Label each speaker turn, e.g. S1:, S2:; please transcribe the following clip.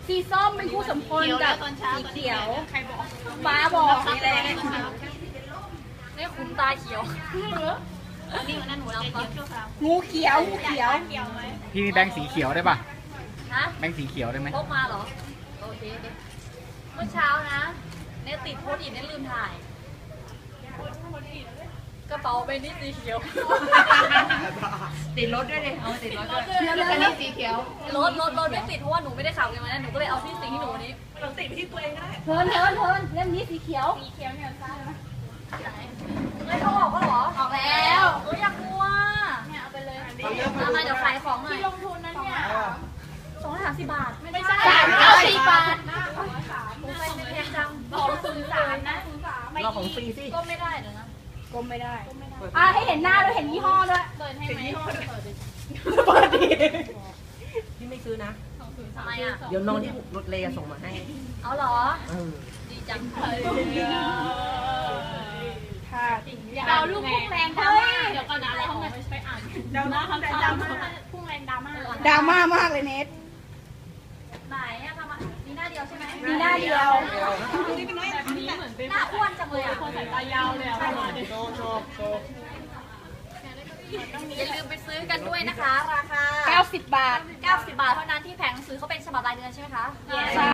S1: สีส้มเป็นคู่สมพลกับสีเขียวใครบอกฟ้าบอกนี่แหละนี่ขุนตาเขียวนี่วันนั้นหนูเรางูเขียวงูเขียว
S2: พี่มีแบงค์สีเขียวได้ป่ะ
S3: ฮะ
S2: แบงค์สีเขียวได้ไหม
S3: พกมาเหรอโอเคเมื่อเช้านะเนี่ยติดโพสต์อิทเนี่ยลืมถ่ายกระเป๋าใบนี้สีเขียว
S4: ติดรถด้วยเลยเอาติดรถด้วย
S1: อันนี้สีเขียว
S3: รถไม่ติดเพราะว่าหนูไม่ได้ขับกันมานะหนูก็เลยเอาที่สิ่งที่หนูนี้
S1: เทินเล่มนี้สีเขียวเนี่ยซ้ายนะ
S3: ไม่เขาบอกก็หรอ
S1: ออกแล้ว
S3: อยากกลัว
S1: เนี่ยเอาไปเลย
S3: มาเดี๋ยวขายของหน่อย
S1: ที่ลงทุนนั้นเนี่ย
S3: 230 บาทไม่ใช่
S1: 390 บาท
S3: ผมไปไม่แพงจัง
S1: 203นะ
S2: เราของฟรีสิ
S3: ก็ไม่ได้เดี๋ยวนะ
S1: ก้มไม่ได้ให้เห็นหน้าด้วยเห็นยี่ห้อด้วยเปิดให้ไหมเปิดดิ
S4: พี่ไม่ซื้อนะ
S3: ทำไมอ่ะ
S4: เดี๋ยวน้องที่รถเลส่งมาให้
S3: เอาเหรอ ดีจัง
S1: เราลูกพุ่งแรงดราม่าเดี๋ยวก่อนนะเราไปอ่านดราม่าคำดราม่าพุ่งแรงดราม่าดราม่ามากเลยเนท
S3: ไหนอะทำอะมีหน้าเดียวใช่ไหม
S1: มีหน้าเดียว
S3: หน้าอ้วนจังเลยอ่ะ
S1: คนสายตายาวเลยอ่ะ
S3: อย่าลืมไปซื้อกันด้วยนะคะ ราคา
S1: 90 บาท
S3: 90 บาทเท่านั้นที่แผงหนังสือเขาเป็นฉบับรายเดือนใช่ไหมคะ